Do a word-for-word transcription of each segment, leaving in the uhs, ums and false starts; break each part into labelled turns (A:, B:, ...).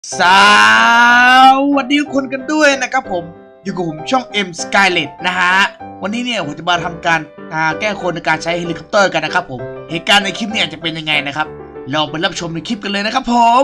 A: สวัสดีทุกคนกันด้วยนะครับผมอยู่กับผมช่อง M Skylet นะฮะวันนี้เนี่ยผมจะมาทำการแก้คนในการใช้เฮลิคอปเตอร์กันนะครับผมเหตุการณ์ในคลิปเนี่ยจะเป็นยังไงนะครับลองไปรับชมในคลิปกันเลยนะครับผม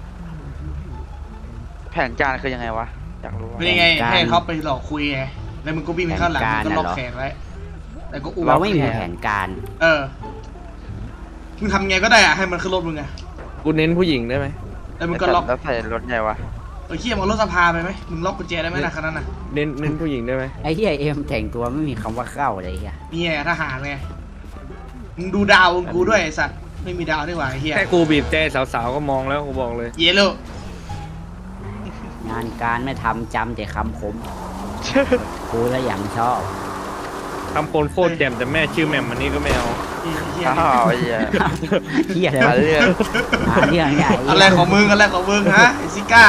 B: แผนการคือยังไงวะอยากรู้ว่า
A: เป็นยังไงให้เขาไปหลอกคุยไงแล้วมึงก็วิ่งไปข้างหลังมึงก็ล็อกแขนไว้แต่ก็อุ้ม
C: เราไม่มีแผนการ
A: เออมึงทำไงก็ได้อะให้มันขึ้นรถมึงไง
D: กูเน้นผู้หญิงได้ไหม
A: แล้วมึงก็ล็อก
B: แล้วใส่รถไงวะ
A: เออเขี้ยมเอารถสภาไปไหมมึงล็อกกุญแจได้ไหมนะคันนั้นน่ะ
D: เน้นเน้นผู้หญิงได้ไหม
C: ไอ้ที่ไอเอ็มแต่งตัวไม่มีคำว่าเข้าเลยอ่ะ
A: นี่ไงทหารไงมึงดูดาวกูด้วยไอ้สัตว์ไม่มีดาวนี่หว่าไอ้เหี้ย
D: แค่กูบีบแต่สาวๆก็มองแล้วกูบอกเลย
A: เยลโล่
C: งานการไม่ทำจำแต่คำผมกูแล้วอย่างชอบ
D: ทำคนโคตรแจ่มแต่แม่ชื่อแหม่มอันนี้ก็ไม่เอา
B: อ้าวไอ้เหี้ย
C: เฮียอะไรเรื่องเรื่องใหญ่
A: อะไรของมึงอะไรของมึงฮะไอซิก้า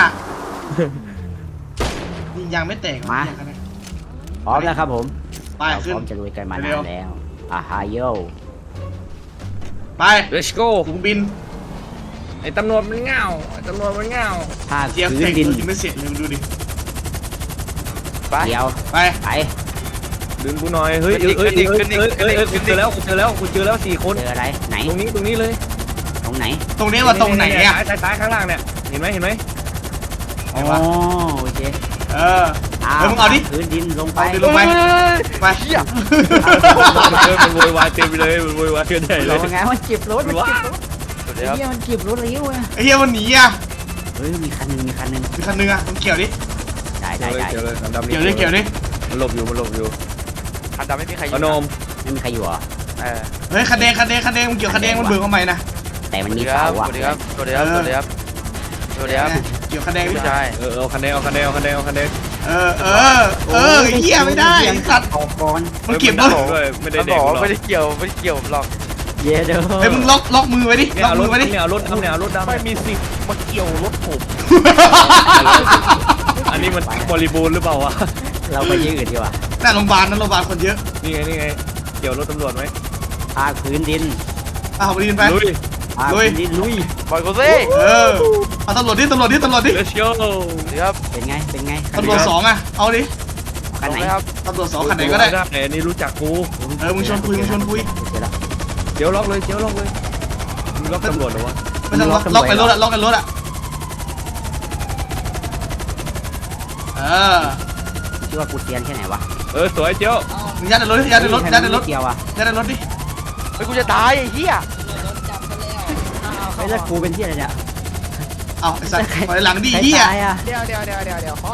A: ยิงยางไม่แตก
C: มาพร้อมแล้วครับผม
A: ไปขึ้น
C: พร้อมจะลุยกันมานานแล้วอาฮาโย
A: ไป
D: let's go
A: ถุงบิน
D: ไอ้ตำรวจมันเงาไอ้ตำรวจมันเงา
C: ถ้า
A: เทียบ
C: พื้
A: เท
C: น
A: ค
C: ดิน
A: ยังไม่เสร็จเลยดูดิ
B: ไป
C: เดี๋ยว
A: ไป
C: ไป
D: ดึงกูหน่อยเฮ้ยเอ้ยเอ้ยเอ้ยเอ้ยเอ้ยกูเจอแล้วกูเจอแล้วกูเจอแล้วสี่คน
C: เจออะไรไหน
D: ตรงนี้ตรงนี้เลย
C: ตรงไหน
A: ตรงนี้ว่าตรงไหนอ่ะ
D: ซ้ายซ้ายข้างล่างเนี่ยเห็นไหมเห็นไหม
C: อ๋อโอเค
A: เออเฮ้ยมึงเอาดิ
C: พื้นดินลงไป
A: ลงไปไป
B: เฮีย
D: มันโวยวายเต็มเลยมันโวยวายกันใหญ่เลย
C: เราไงมันเก็บรถมันเก็บรถ
B: สวัสดีครับ
C: เฮียมันเก็บรถเลี้ยวอ่ะ
A: ไอ้เหี้ยมันหนีอ่ะ
C: เฮ้ยมีคันนึงมีคันนึง
A: มีคันนึงอ่ะมึงเกี่ยวดิ
C: ได้ได้ได้
D: เกี่ยวเลยเกี่
A: ยวดิเกี่ยวดิ
D: มันหลบอยู่มันหลบอยู่
B: คันดำไม่มีใครอยู่
D: พนม
C: ไม่มีใครอยู่เหรอ
B: เออ
A: เฮ้ยคันแดงคันแดงคันแดงมึงเกี่ยวคันแดงมันเบื่อทำไมนะ
C: แต่มันมีเสาอ่ะ
B: สวัสดีครับสวัสดีครับสวัสดีครับสวัสดีครับ
A: เกี่ยวคันแดง
B: ไม่ใช่
D: เออเอาคันแดงเอาคันแดงเอาคันแดงเอาคันแดง
A: เออเออเออเหี้ยไม่ได้สัตว์มันเก็บรถ
D: ไม่ได้
B: มันบอกไม่ได้เกี่ยวไม่ได้เกี่ยวหรอก
C: เย้เด้อ
A: เฮ้ยมึงล็อกล็อกมือไว้ดิล็อกมือไว้ดิ
D: เนี่ยรถเนี่ยรถดำ
B: ไม่มีสิทธิ์มาเกี่ยวรถผม
D: อันนี้มันบริบูรณ์หรือเปล่าวะ
C: เราไปยืดดีกว่า
A: หน้าโรงพยาบาลนั่นโรงพยาบาลคนเยอะ
D: นี่ไงนี่ไงเกี่ยวรถตำรวจไหม
C: พาพื้นดิน
A: อ้าวไปดินไป
D: ลุย
C: ลุยดินลุย
B: ปล่อยกูสิ
A: เออเอาตำรวจดิตำรวจดิตำรวจดิ
D: Let's go
B: เดี๋ยว
C: เป็นไงเป็นไง
A: ตำรวจสองอ่ะเอาดิ
C: คันไหน
B: ครับ
A: ตำรวจสองคันไหนก็ได้
D: แต่นี่รู้จักกู
A: เออมึงชวนคุยมึงชวนคุย
D: เดี๋ยวล็อกเลยเดี๋ยวล็อกเลยมึงล็อกตำรวจหรอวะ
A: ไม่ต้องล็อกล็อกไอ้รถอะล็อกไอ้รถอะเออ
C: ชื่อว่ากูเตียนแค่ไหนวะ
D: เออสวยเจ้า
A: มึงยัดในรถยัดในรถยัดในรถ
C: เกี่ยวอะ
A: ยัดในรถดิ
B: เฮ้ยกูจะตายไอ้เหี้ย
C: ไอ้แล้วกูเป็นที่อะไรเนี่ย
A: เอาไอ้สัตว์ถอยหลังดิเหี้ย
E: เดี๋ยวเดี๋ยวเดี๋ยวเดี๋ยวเดี๋ยวพ่อ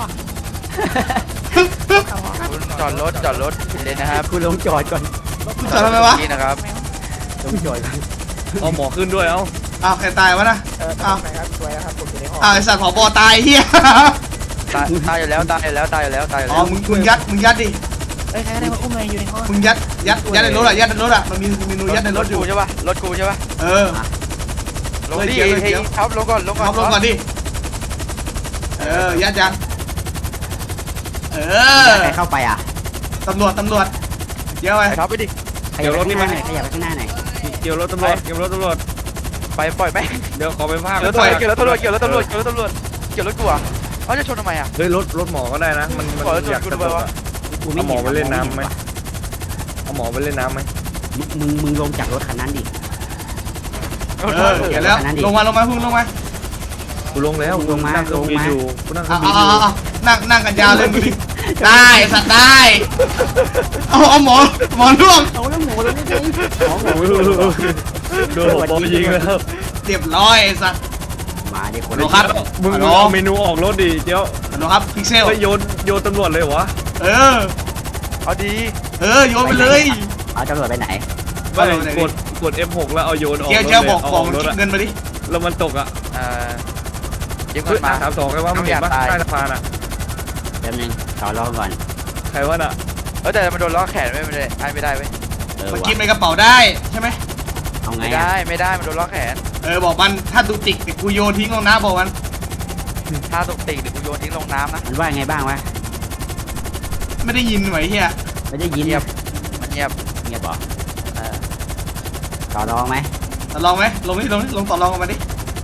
B: จอดรถจอดรถเลยนะครับ
C: กูลงจอดก่อน
A: มึงจอดทำไมวะ
B: นี่นะครับ
C: ลงจอด
D: เอาหมอขึ้นด้วยเอา
A: เอาใครตายวะนะ
E: เอาไหนครับสวยนะครับผมอยู่ในห้อง
A: เอาไอ้สัตว์ผบตายเหี้ย
B: ตายตายอยู่แล้วตายอยู่แล้วตายอยู่แล้วตายอยู่แล้ว
A: อ๋อมึงมึงยัดมึงยัดดิ
E: เอ้ยใครได้มาอุ้มเลยอยู่ในห้อง
A: มึงยัดยัดยัดในรถอะยัดในรถอะมันมีเมนูยัดในรถอยู่
B: ใช่ป่ะรถกูใช่ป่ะ
A: เออ
B: ลงดิเฮ้ยครับลงก่อนลงก่อน
A: ลงก่อนดิเออยัดยัดเออ
C: ใครเข้าไปอ่ะ
A: ตำรวจตำรวจเดี๋ยวไป
B: ครับไปดิ
C: เดี๋ยวรถนี่มาไหนขยับไปข้างหน้าไหน
D: เกี่ยวรถตำรวจเกี่ยวรถตำรวจ
B: ไปปล่อยไหม
D: เดี๋ยวขอไปภาค
B: เกี่ยวรถเกี่ยวรถตำรวจเกี่ยวรถตำรวจเกี่ยวรถตำรวจเกี่ยวรถกูอ่ะเขาจะชนทำไมอ่ะ
D: เฮ้ยรถรถหมอก็ได้นะมันมันอยากจะบอกว่าเอาหมอไปเล่นน้ำไหมเอาหมอไปเล่นน้ำไหม
C: มึงมึงลงจากรถคันนั้นดิ
A: เออเกี่ยวแล้วลงมาลงมาพึ่งลงมา
D: กูลงแล้ว
C: ลงมา
D: ลงมาอยู่กูนั่ง
A: เอาเอาเอานั่งนั่งกันยาวเลยมึงดิได้สัตว์ได้เอาเอาหมอหมอร่วง
C: เอาแล้วหมูเลยไม่ได้หมอหมู
D: โดนบอลยิงแล้ว
A: เรียบร้อยสัตว์
C: มาดิคน
A: ดูครับ
D: มึงเอาเมนูออกรถดิเดี๋ยว
A: ดูครับพิกเซล
D: โยนโยนตำรวจเลยวะ
A: เออ
B: เอาดี
A: เออโยนไปเลย
C: เอาตำรวจไปไหน
D: ไม่กดกด เอฟ หก แล้วเอาโยนออก
A: เจ้าบอกบอกคิดเงินมาดิ
D: แล้วมันตกอ่ะ
B: เออเดี๋ยวมา
D: ถามสองไงว่ามันเห็นปะใต้สะพานอ่ะ
C: แป๊บนึงต่อรองก่อน
D: ใครวะน่ะ
B: เออแต่มันโดนล้อแขนไม่ได้ไม่ได้เว้ย
A: มันกินในกระเป๋าได้ใช่ไหม
C: เอาไง
B: ไม่ได้ไม่ได้มันโดนล้อแขน
A: เออบอกมันถ้าตุกติกเดี๋ยวกูโยนทิ้งลงน้ำบอกมัน
B: ถ้าตุกติกเดี๋ยวกูโยนทิ้งลงน้ำนะ
C: มันว่าไงบ้างวะ
A: ไม่ได้ยินไหมเฮีย
C: ไม่ได้ยิน
B: เงียบมันเงียบ
C: เงียบบอกต่อรองไหม
A: ต่อรองไหมลงนี่ลงนี่ลงต่อรองกันมาดิ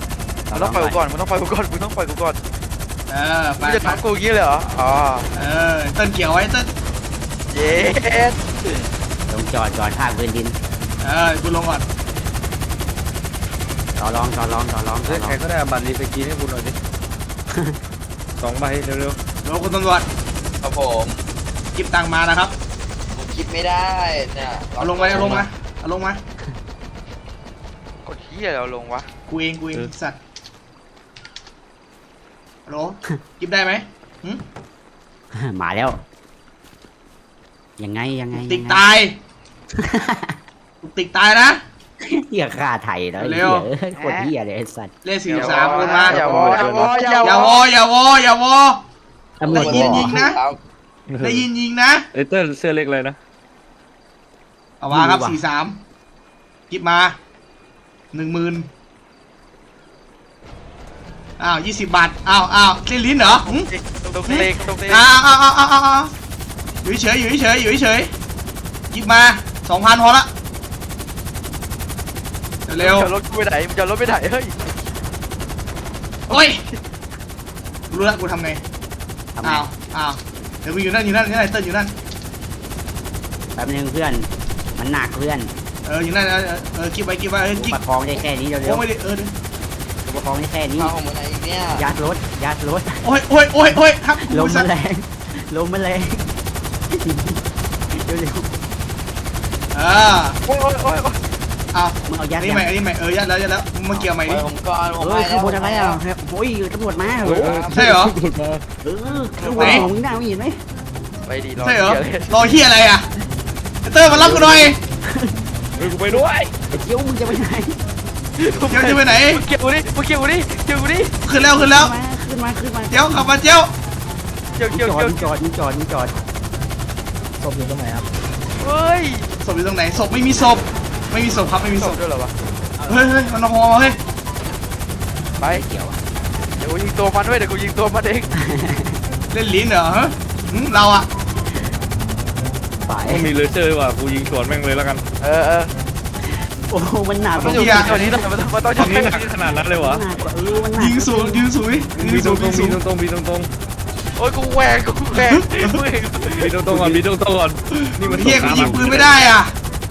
B: มึงต้องปล่อยกูก่อนมึงต้องปล่อยกูก่อนมึงต้องปล่อยกูก่อน
A: เออไป
B: มึงจะ
A: ไป
B: ทำกูอย่างงี้เลยเหรออ๋อ
A: เออเต้นเกี่ยวไว้เต้น
B: เย้
C: ลงจอดก่อนภาคพื้นดิน
A: เออกูลงก่อน
C: ต่อรองต่อรองต่อรองต่
D: เฮ้
C: อย รอ
D: ใครง ก็ได้เอาบัตรรีสกรีนให้กูหน่อยดิ สองใบเร็ว
A: เดี๋ยวคุณตำรวจ
F: ครับผม
A: กิบตังค์มานะครับ
F: ผมคิดไม่ได้เนี่ย
A: เอาลงมาเอาลงมาเอาลงมาก
B: ดเหี้ยเราลงวะ
A: กูเองกูเองสัตว์ฮัลโหลกิบได้ไหมหึ
C: มาแล้ว ยังไงยังไง
A: ติก
C: ยังไง
A: ตายกูติกตายนะ
C: เหี้ยฆ่าไทยแล้วไอ้
A: เร็
C: เหี้
A: ว
C: ยเอ้ยโคตรเหี้ยเลยไอ้สัตว์
A: เลขสี่สามคนมา
B: อย่าวออย่าวออย่า
A: อย่าว
B: อ
A: ออย่าวออย่าวอ
C: ตำรวจ
A: ได้ยิน
C: บ
A: ยิ
C: อก
A: งนะ
D: ๆ
A: ได้ยินยิงนะ
D: เอเตอร์เสื้อเล็กเลยนะ
A: เอามาครับสี่สามกิบมาหนึ่งหมื่นอ้าวยี่สิบบาทอ้าวอ้าวเล่นลิ้นเหรอหึ
B: ตรงเตงตรงเตง
A: อ้าวอ้าวอ้าวอ้าวอ้าวอยู่เฉยอยู่เฉยอยู่เฉยกิบมาสองพันพอละเร็ว
B: มึงจะรถกูไปไหนมึงจะรถไปไหนเฮ้ย
A: โอ้ยรู้แล้วกูทำไง
C: ทำไง
A: อ้าวอ้าวเดี๋ยวมึงอยู่นั่นอยู่นั่นอยู่นั่นเติ้ลอยู่นั่น
C: แป๊บนึงเพื่อน มันหนักเพื่อน
A: เอออยู่นั่นเออเออกิบไปกิบไปเออ
C: กู
A: กิบ
C: ประคองได้แค่นี้เร็
A: โอ้
C: ว
A: ไม่ได้เออเดี๋ยว
C: ๆกูประคองได้แค่นี้
F: เอาของมันไหนอีกเนี่ย
C: ยัดรถยัดรถ
A: โอ้ยโอ้ยโอ้ยโอ้ยครับ
C: ลม
A: สั
C: มันแรงลมมันแรงเร็ว
A: เออ
B: โอ้ยโอ้ยโอ้ยโอ้ย
A: เอา
C: ๆมึงเอายั
A: อั
C: ด
A: นนี้
C: ยั
A: ใหม่
C: ด
A: อันนี้ใหม่เออยัดแล้วยัดแล้วมึงมาเกี่ยวใหม่
F: ปล่
A: ดิ
F: อยผมก่อนผม
C: เฮ้
F: ไป
C: ย
F: แล้
C: ข้าง
F: ว
C: บนอะไรอ่ะโอ้ยตำรวจมาเหร
D: เฮ้ย
C: อ
A: ใช่เหรอ
C: เออข้างบนของมึงน่าไม่เห็นไหม
B: ไปดีรอ
A: ใช่เหรอ
B: เหี้ยเลย
A: รอเฮียอะไรอ่ะไอ้เตอร์มารับกูหน่อย
D: เฮ้ยกูไปด้วย
C: ไอ้เจียวมึงจะไปไหน
A: เดี๋ยวจะไปไหน
B: มึงเกี่ยวกูดิมึงเกี่ยวกูดิเกี่ยวกูดิ
A: ขึ้นแล้วขึ้นแล้ว
C: มาขึ้นมาขึ้นมา
A: เดี๋ยวขับมาเจ้า
B: เกี่ยว
C: มึง
B: เกี่ยว
C: จอด
B: เกี่ยว
C: มึงจอดมึงจอดมึงจอด
E: ศพอยู่ตรงไหนครับ
B: เฮ้ย
A: ศพอยู่ตรงไหนศพไม่มีศพไม่มีศพครับไม่มี
B: ศ
A: ศ
B: พ
A: พ
B: ด้วยเหรอวะ
A: เฮ้ยเฮ้ยมันนอเฮ้ย
B: ไป
C: เกี่ยวอะ
B: เดี๋ยวกูยิงตัวมันด้วยเดี๋ยวกูยิงตัวมันเอง
A: เล่นลิ้นเหรอฮะหึเราอ่ะ
C: ไป
D: มันมีเลเซอร์ว่ะกูยิงสวนแม่งเลยแล้วกัน
B: เออเออ
C: โอ้โหมันหนัก
B: มันอยู่ตอนนี้นะมันมันต้อง
D: ตอน
B: ใช้
D: นี้หนักขนาดนั้นเลยวะ
C: มันหนักกว่าเออมันหนัก
A: ยิงสูงยิงสูงดิ
D: มี
A: ยิง
D: ต
A: สู
D: รง งตรง
A: ยิง
D: มี
A: สูง
D: ตรงตรงมีตรงตรง
B: โอ้ยกูแหวกกูแหวกมึงเห็น
D: มีตรงตรงก่อนมีตรงตรงก่อนนี่มัน
A: เฮียกูยิงปืนไม่ได้อ่ะ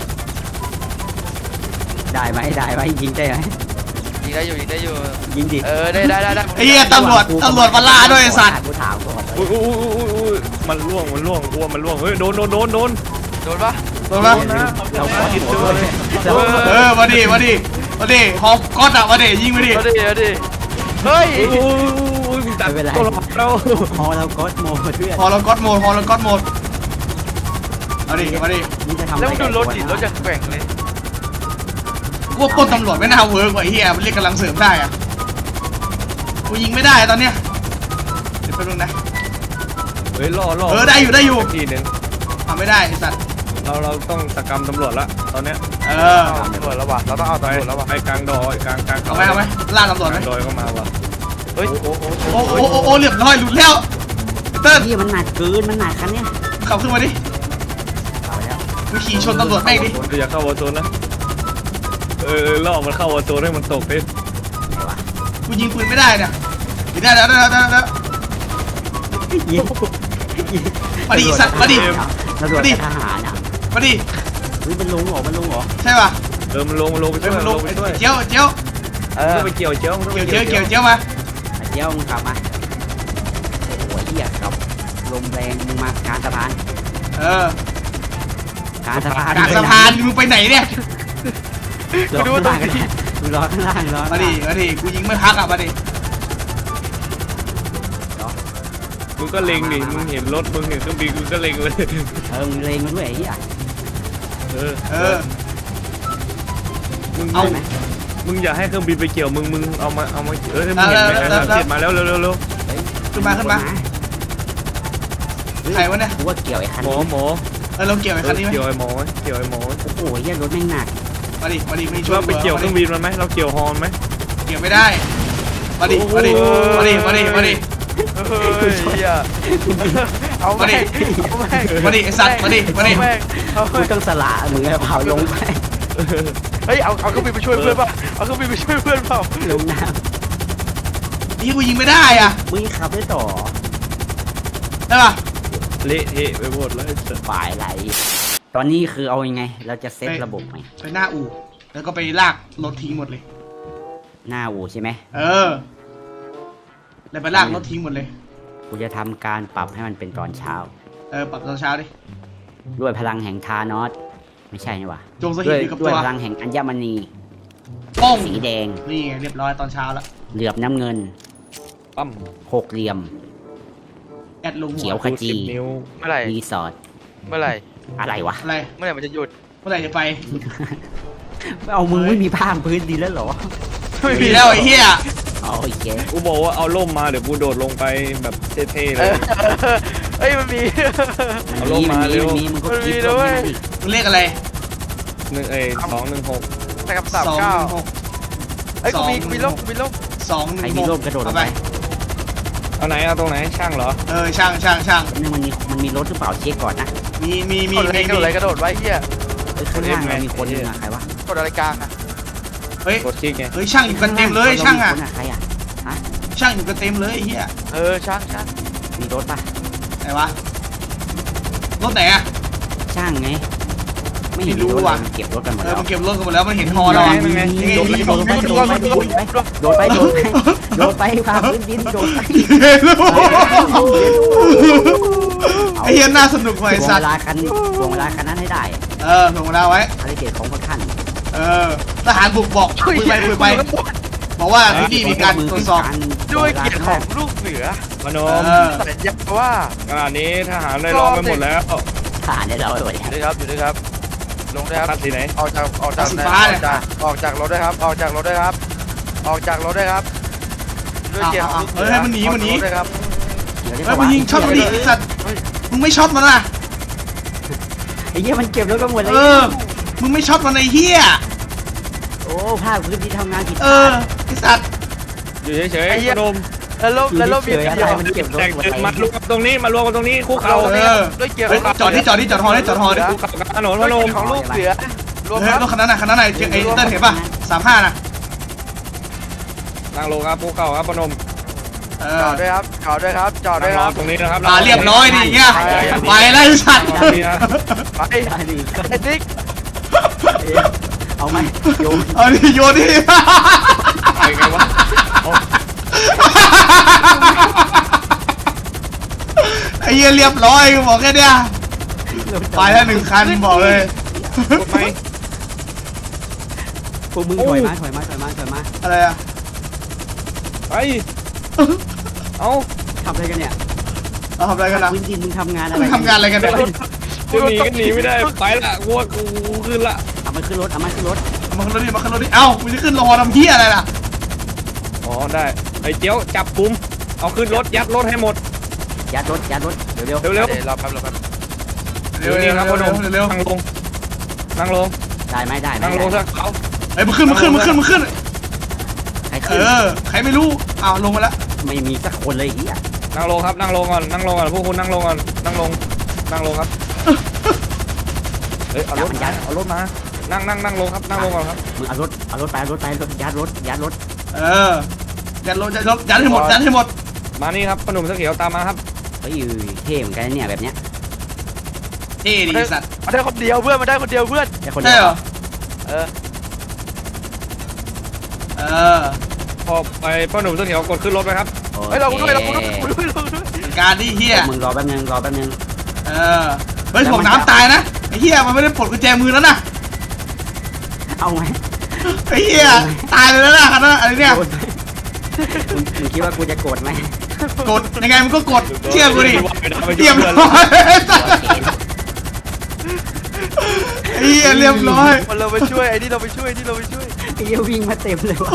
C: ได้ไหมได้ไหมยิงได้ไหม
B: ยิงได้อยู่ยิงได้อยู่
C: ยิงดิ
B: เออได้ได้ได้ได้
A: ไอ้เฮียตำรวจตำรวจมาล่าด้วยไอ้สัตว์
C: กูถามก่อน
D: อุ้ยอุ้ยอุ้ยอุ้ยอุ้ยมันล่วงมันล่วงอ้วมันล่วงเฮ้ยโดนโดนโดนโดน
B: โดนปะ
A: โดนปะ
C: เราขอ
D: คิดตัวเลย
C: เรา
A: เออมาดิมาดิมาดิฮอปก๊อตอ่ะมาดิยิงมาดิ
B: เอาดิเอาดิเฮ้ย
D: อุ้ยอุ้ยอุ้ยมึงตัดตัวเรา
C: พอเราก็โมเพื่อน
A: ฮอลก๊อตโหมดฮอลก๊อตโหมดมาดิมาดิ
C: นี่จะทำ
B: แล้วมึงดูรถดิรถยังแกว่งเลย
A: กูว่าปล้นตำรวจไม่น่าเวิร์กว่ะไอ้เฮียมันเรียกกำลังเสริมได้อ่ะกูยิงไม่ได้ตอนเนี้ยเดี๋ยวแป๊บนึงนะ
D: เฮ้ยล่อล่อ
A: เออได้อยู่ได้อยู่
D: ทีหนึ่ง
A: ทำไม่ได้ไอ้สัตว์
D: เราเราต้องสกรรมตำรวจละตอนเนี้ย
A: เออ
B: เอาตำรวจแล้ววะเราต้องเอา
D: ไป
B: ตำรวจแล้ววะ
D: ไปกลางดอยกลางกลาง
A: เอาไหมเอาไหมล่าตำรวจไหม
D: กลางดอยก็มาว่ะ
B: เฮ้ย
D: โอ้โอ้โอ้
A: โอ้โอ้โอ้โอ้เรียบร้อยหลุดแล้วเติ้ล
C: นี่มันหนักเกินมันหนักคันเนี้ย
A: ขับขึ้นมาดิ
C: เอาแล้ว
A: กูขี่ชนตำรวจแม่งดิ
D: อย่าเข้าวอร์โซนนะเออล่อมันเข้าวอร์โซนให้มันตกดิ
C: ไงวะ
A: กูยิงปืนไม่ได้เนี่ยยิงได้แล้วได้แล้วได้แล้ว
C: ยิง
A: มาดิสัตว์มาดิ
C: ตำรวจกับทหารอ่ะ
A: มาดิ
C: เฮ้ยมันลงเหรอมันลงเหรอ
A: ใช่ป่ะ
D: เออมันลงมันลงไป
A: เฮ้
D: ช่
A: ย
D: วย
A: มันล
D: ล
A: ง
D: งไปช่วย
A: เจียวเจียว
B: เอ
D: มึง
B: อ
D: ต้องไปเกี่ยวเจียวมึงต้องไป
A: เจียวเจียวเจียวเจียวมา
C: ไอ้เจ้ามึงขับมาโอ้โหเหี้ยครับลมแรงมึงมากลารสะพาน
A: เออก
C: ลารสะพาน
A: กลางสะพานมึงไปไหนเนี่ย
C: รอข้างล่างกันมึงรอข้างล่างรอ
A: มาดิมาดิกูยิงไม่พักอ่ะมาดิ
D: มึงก็เล็งดิมึงเห็นรถมึงเห็นเครื่องบินมึงก็เล็งเลย
C: เออมึงเลงมาด้วยไอ้เหี้ย
D: เออ
A: เออ
D: มึง
A: เอา
D: มึงอย่าให้เครื่องบินไปเกี่ยวมึงมึงเอามาเอามาเออมึงเห็นไหมไอ้สามเจ็ดมาแล้วเร็วเร็วเร็ว
A: ขึ้นมาขึ้นมาใครวะเนี่ย
C: กูว่าเกี่ยวไอ้คัน
D: หมอ
C: นี้
D: หมอ
A: เออเราเกี่ยวไอ้คันนี้ไหม
D: เกี่ยวไอ้หมอเกี่ยวไอ้หมอ
C: โอ้โหเหี้ยรถแม่งหนัก
A: มาดิมาดิไม่ช่วย
D: เราไปเกี่ยวเครื่องบินมันไหมเราเกี่ยวฮอร์นไหม
A: เกี่ยวไม่ได้มาดิมาดิมาดิมาดิมาดิ
B: เฮ้ยเหี้ยเอาแม่งเอาแม่ง
A: มาดิไอ้สัตว์มาดิมาดิ
B: เอาแม่งเอา
C: กู
B: แม่ง
C: ต้องสละมึงให้เผาลงไป
B: เฮ้ยเอาเอาเครื่องบินไปช่วยเพื่อนเปล่าเอาเครื่องบินไปช่วยเพื่อนเปล่า
C: ลงน้
A: นี่กูยิงไม่ได้อ่ะ
C: มึงขับได้ต่อ
A: ได้ปะ
D: เละเทะไปหมดเลย
C: ฝ่ายไหลตอนนี้คือเอายังไง เราจะเซตระบบไหม
A: ไปหน้าอู่แล้วก็ไปลากรถทิ้งหมดเลย
C: หน้าอู่ใช่ไหม
A: เออ แล้วไปลากรถทิ้งหมดเลย
C: กูจะทำการปรับให้มันเป็นตอนเช้า
A: เออปรับตอนเช้าดิ
C: ด้วยพลังแห่งทานอสไม่ใช่นี่หว่า
A: จงส
C: ด้
A: ถิ
C: ว
A: ต
C: ย
A: อยู่กับ
C: ด้ว
A: ตั
C: ยว พลังแห่งอัญมณี
A: ป้อง
C: สีแดง
A: นี่ไงเรียบร้อยตอนเช้าแล้ว
C: เหลือบน้ำเงิน
D: ปั๊ม
C: หกเหลี่ยม
A: แอดลงหั
C: เขียว
A: ว
C: ขจี
D: สิบนิ้ว
B: เมื่อไหร่
C: รีสอร์ท
B: เมื่อไหร่
C: อะไรวะ
A: อะไร
B: เมื่อไหร่มันจะหยุด
A: เมื่อไหร่จะไป
C: เอามึงไม่มีผ้าพื้นดินแล้วเหรอ
A: ไม่มีแล้วไอ้เหี้ย
C: เอาอีกแก
D: กูบอกว่าเอาล่มมาเดี๋ยวกูโดดลงไปแบบเท่ๆเล
B: เอย อเอ้ยมันมี
D: เอา
C: มัน
D: ลง
C: มี
D: มา
C: มัน
D: เร็
C: มี
D: ว
C: มันมีมึงก็
B: มันมี
C: คิด
B: ด้
C: ล
B: ว
C: ง
B: ย
C: ให้มันดิ
A: มึงเลขอะไร
D: หนึ่งเอ้ยสองหนึ่งหก
B: แต่กับสาม
A: สอง
B: เก้า
A: หก
B: เอ้ยกูมี
A: สอง
B: กูมีล่มกูมีล่ม
A: สองห
C: ใคร
A: นึ่ง
C: มี
A: ห
C: ร่
A: ก
C: มกระโดดล
A: เอา
C: ง
A: ไป
C: ไป
D: เอาไหนเอาตรงไหนช่างเหรอ
A: เออช่างช่างช่าง
C: นึงมันมีมันมีรถหรือเปล่าเช็คก่อนนะ
A: มีมีมี
B: กดอะไร
A: มี
B: กระโดดอะไรกระโดดไว้เฮีย
C: เอ้ยข้างล่างมันมีคนนึงอะใครวะ
B: กดอะไรกลางอะ
A: เฮ้ย
D: กดคลิกไง
A: เฮ้ยช่างอยู่กันเต็มเลยช่างอ่ะ
C: ข้ล่มีคนใครอะฮะ
A: ช่างอยู่กันเต็มเลยไอ้เหี้ย
B: เออช่างช่าง
C: มีรถปะ
A: ไหนวะรถไหนอ่ะ
C: ช่างไงไม่เห็น
A: ไม่รู้
C: มีรถ
A: ว่ะ
C: เลยมันเก็บรถกันหมด
A: เออ
C: แล้ว
A: มันเก็บรถกันหมดแล้วมันเห็นฮอแล้วอ่ะ
D: นั่นไง
A: นี่ไง
C: โดดไป
A: นี่
C: โดดไปโดดไปโดดไปโดดไปโดดไปโดดไปพาพื้นดินโดดไป
A: ไอ้เหี้ยน่าสนุกว่ะไอ้
C: ถ่วง
A: สัต
C: เว
A: ว์
C: ลาคันถ่วงเวลาคันนั้นให้ได้
A: เออถ่วงเวลาไว้
C: ภารกิจของพวกท่าน
A: เออทหารบุกบอกคุยไปคุยไปบอกว่าที่นี่มีการตรวจสอบ
B: ด้วยเกียรติของลูกเสือ
D: มโน
A: เอ
D: ม
A: อ
B: สัญญาว่า
D: ขณะนี้ทหารได้ล้อมไปหมดแล้ว
C: ผ่านได้เราไปหมด
B: อยู่ด้วยครับอยู่ด้วยครับ ลงด้วยครับ
D: คัดสีไหน
B: ออกจากออกจาก
A: สีฟ้า
B: อ
A: เนี่
B: อย กจากออกจากรถด้วยครับ ออกจากรถด้วยครับ ออกจากรถด้วยครับ ด้วยเกียรติของลูกเสื
A: เฮ้ยให้มันหนีมันหนี
B: ออกจากรถด้วยครับ
C: เดี๋ยวได้
A: เฮ้ย
C: ปะ
A: มึ
C: วะ
A: งยิงช็อตมันดิไอ้สัตว์มึงไม่ช็อตมันอ่ะ
C: ไอ้เหี้ยมันเก็บรถกันหมดเลย
A: เออมึงไม่ช็อตมันไอ้เหี้ย
C: โอ้ภาคพื้นที่ทำงานผิด
A: เออไอ้สัตว์
D: อยู่เฉยๆมโนม
B: แล้วลบแล้วลบมี
C: เฉย
B: เดี
C: อะไร
B: ยว
C: มันเก็บรถ
D: แต่ง
C: หมด
D: ตึก
C: เลย
D: มารวมกันตรงนี้มารวมกันตรงนี้คุก
B: เรา
D: เข่า
A: เออ
B: ด้วยเกียรติ
A: เฮ้ยจอดที่จอดที่จอดฮอดิจอดฮอดิ
D: คุกเข่ากลางถนนม
B: ด้วย
D: โน
B: เกียร
D: ม
B: ติของลูกเสือรวม
A: เฮ้ย
B: ครับ
A: รถคันนั้นน่ะคันนั้นน่ะไอ้เติ้ลเห็นป่ะสามห้าน่ะ
D: นั่งลงครับคุกเข่าครับมโนม
A: เอ
B: จ
A: อ
B: อดด้วยครับจอดด้วยครับจอดด้
D: นั่
B: ว
D: ง
B: ย
D: ร
B: ค
D: อ
B: รับ
D: ตรงนี้นะครับ
A: อ่าเรียบร้อยดิเงี้ยไปแล้วไอ้สัตว์
D: นี่นะ
B: ไป
C: ได้ดิ
B: ไอ้ติ๊ก
C: เอาไหมโยน
A: เอาดิโยนดิ
D: ไปไงวะเอา
A: ไอ้เหี้ยเรียบร้อยกูบอกแค่เนี้ยไปแล้วหนึ่งคันบอกเลย
D: กดไหม
C: พวกมึงถอยมาถอยมาถอยมาถอยมา
A: อะไรอะ
D: ไปเอา
C: ทำอะไรกันเนี่ย
A: เราทำอะไรกันนะ
C: พื้นดินมึงทำงานอะไร
A: มึงทำงานอะไรกันเนี่ย
D: จะหนีก็หนีไม่ได้ไปละวัวกูขึ้นละ
C: เอามันขึ้นรถเอามันขึ้นรถ
A: เอามาขึ้นรถดิมาขึ้นรถดิเอ้ามึงจะขึ้นรอทำเหี้ยอะไรล่ะ
D: อ๋อได้ไอ้เจียวจับกุมเอาขึ้นรถยัดรถให้หมด
C: ยัดรถยัดรถเร็วเร็ว
D: เร็ว
B: เดี๋ยวรอแป๊บรอแป๊บ
D: ๆ
A: เร็วเร็ว
D: นี่ครับ
A: เร็ว
D: พนม
A: เร็ว
D: นั่งลงนั่งลง
C: ได้ไหมได้ไหม
D: นั่งลง
C: ได้
D: สักเขา
A: เฮ้ยมึงขึ้นมึงขึ้นมึงขึ้นมึงขึ้น
C: ใคร
A: เอ
C: ขึ้น
A: อใครไม่รู้อ้าวลงมาแล้ว
C: ไม่มีสักคนเลยไอ้เฮีย
D: นั่งลงครับนั่งลงก่อนนั่งลงก่อนพวกคุณนั่งลงก่อนนั่งลงนั่งลงครับเฮ้ยเอารถมาเอารถมานั่งนั่งนั่งลงครับนั่งลงก่อนครับ
C: มึงเอารถเอารถไปเอารถไปรถยัดรถยัดรถ
A: เออยัดรถยัดรถยัดให้หมดยัดให้หมด
D: มานี่ครับพนมเสื้อเขียวตามมาครับ
C: เฮ้ยเท่เหมือนกันนะเนี่ยแบบเนี้ย
A: เท่ดีสัตว์
B: มาได้คนเดียวเพื่อนมาได้คนเดียวเพื่อน
C: แต่คน
A: ใช่
C: เดีย
A: เหร
C: ว
A: อ
B: เออ
A: เออ
D: พอไปพนมเสื้อเขียวกดขึ้นรถไปครับ
B: เฮ้ยเราด้วยเราด้วยเราด้วยเราด้วย
A: การที่เฮีย
C: มึงรอแป๊บนึงรอแป๊บนึง
A: เออเฮ้ยถ่วงน้ำตายนะไอ้เฮียมันไม่ได้ปลดกุญแจมือแล้วนะ
C: เอาไหม
A: ไอ้เฮียตายเลยแล้วนะคันนั้นอะไรเนี่ย
C: โกรธไหมมึงมึงคิดว่ากูจะโกรธไหม
A: กดยังไงมันก็กดเชื่อกูดิ
D: ไป
A: เรียบ
D: เพื่อน
A: ร้อยไอ้เฮียเรียบร้อย
B: มันเราไปช่วยไอ้นี่เราไปช่วยไอ้นี่เราไปช่วย
C: ไอ้เหี้ยวิ่งมาเต็มเลยวะ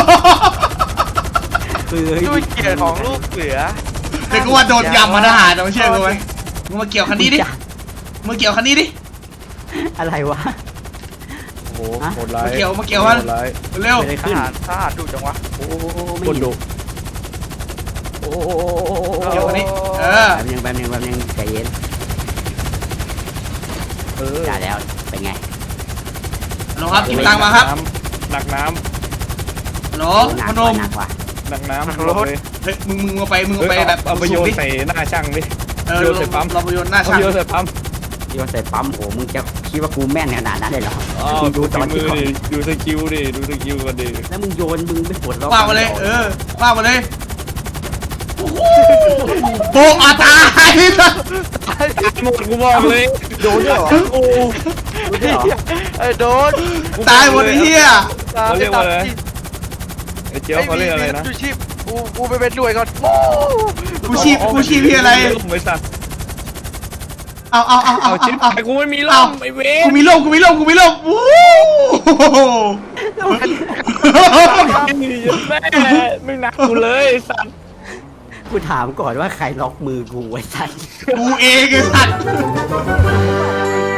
C: เฮ้ย
B: ด้วยเกียรติของลูกเสือ
A: เดี๋ยวกูว่าโดนยำมาทหารเอาเชื่อกูไหมมึงมาเกี่ยวคันนี้ดิมึงมาเกี่ยวคันนี้ดิ
C: อะไรวะ
D: โอ้โหโหดร้าย
A: มาเกี่ยวมาเกี่ยวมัน
D: โหดร้าย
A: เร็ว
C: เกิดอะไร
B: ท
C: ขึ้น
B: หารทหารดุจังวะ
C: โอ้โหไม่
D: คน
C: เห็น
D: ดุ
C: โอ้โห
A: เกี่ยวคันนี้เออ
C: แป๊บนึงแป๊บนึงแป๊บนึงใจเย็น
D: เออ
C: ได้แล้วเป็นไง
A: ฮัลโหลครับกินตังค์มาครับ
D: หนักน้
A: ฮัลโหล
C: หนั
A: พ
C: ก
A: น
C: ว่ะ
A: ม
C: หนักว่ะ
D: ดังน้ำ
B: รถ
D: เลย
A: เฮ้ยมึงมึงเอาไปมึง
D: เฮ้
A: เอา
D: ย
A: ไป
D: เอา
A: แบบ
D: เอาไปโยนใส่หน้าช่างดิ
A: เออ
D: โยนใส่ปั๊ม
A: เราไปโยนหน้า
D: เอา
A: ช่าง
D: ไปโยนใส่ปั๊ม
C: ที่ว่าใส่ปั๊มโหมึงจะคิดว่ากูแม่นขนาดนั้นเลยเหรอ
D: อ๋อ
C: มึง
D: ดู
C: ดูตอน
D: มื
C: ที่
D: อ
C: เขา
D: ดิดูสกิลดิดูสกิลกันดิ
C: แล้วมึงโยนมึงไม่ปวดร้อน
A: คว้ามาเลยเออคว้ามาเลยโอ้โหโบกอาตาย
D: หมดกูบอกเลย
C: โดนด้วยเหรอ
D: โอ้
C: โดนด้วยเหรอ
B: ไอ้โดน
A: ตายหมดไอ้เหี้ย
D: เขาเรียกว่าอะไรไอ้เจี๊ยบเขาเรียกอะไรนะ
B: ดูชีพกูกูไปเป็นหน่วยก่อน
A: กูชีพกูชีพพี่อะไร
D: บริษัท
A: เอาเอาเอาเอา
D: เอาชิป
A: เอา
D: ไอ้กูไม่มีล่
A: เอา
D: มไอ้เว
A: กู
D: ร
A: มีร่มกูมีร่มกูมีร่มวู้
D: แม่ไม่หนักกูเลยสัตว์
C: กูถามก่อนว่าใครล็อกมือกูไว้ใส่
A: กูเองไอ้สัตว์
C: ไ